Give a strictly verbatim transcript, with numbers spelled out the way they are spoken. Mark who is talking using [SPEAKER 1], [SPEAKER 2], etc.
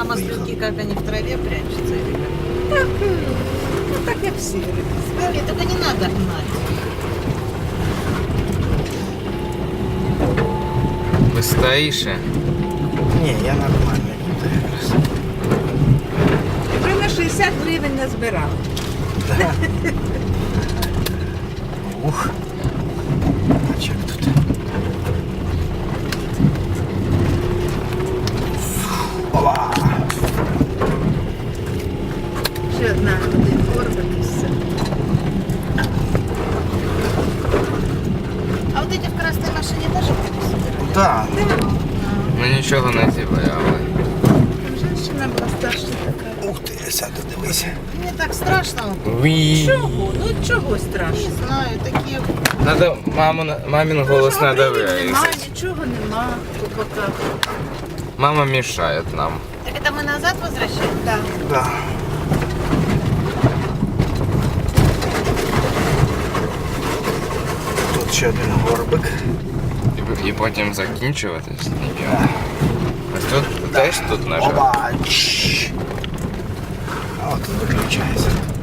[SPEAKER 1] А маслюки, как они в траве прячутся? Или как?
[SPEAKER 2] Так, ну так як всі риби.
[SPEAKER 1] Нет, только не надо гнать.
[SPEAKER 3] Быстріше.
[SPEAKER 4] Ні, я нормально тут якраз.
[SPEAKER 2] Вже на шістдесят гривень назбирав.
[SPEAKER 4] Да. Ух. А чек тут? Ова!
[SPEAKER 2] Ще одна один горбик і все.
[SPEAKER 1] А вот эти в красной машине тоже будут собирать?
[SPEAKER 4] Да.
[SPEAKER 3] Ми нічого не зібрали.
[SPEAKER 2] Там женщина була старша така.
[SPEAKER 4] Ух ти, сяду, дивися.
[SPEAKER 1] Мне так страшно.
[SPEAKER 3] Уі.
[SPEAKER 2] Чого? Ну чого
[SPEAKER 1] Не
[SPEAKER 2] страшно?
[SPEAKER 1] знаю, такие...
[SPEAKER 3] Надо маму, мамин голос
[SPEAKER 2] Нічого,
[SPEAKER 3] надо
[SPEAKER 2] привід нема,
[SPEAKER 3] вирізати.
[SPEAKER 2] нічого нема. Пока.
[SPEAKER 3] Мама мешает нам.
[SPEAKER 1] Так это мы назад возвращаем?
[SPEAKER 2] Да.
[SPEAKER 4] Да. Тут ще один горбик.
[SPEAKER 3] І, і потім закінчувати з ним. Ось тут теж тут нажав.
[SPEAKER 4] Оба! Чш. А от тут виключається.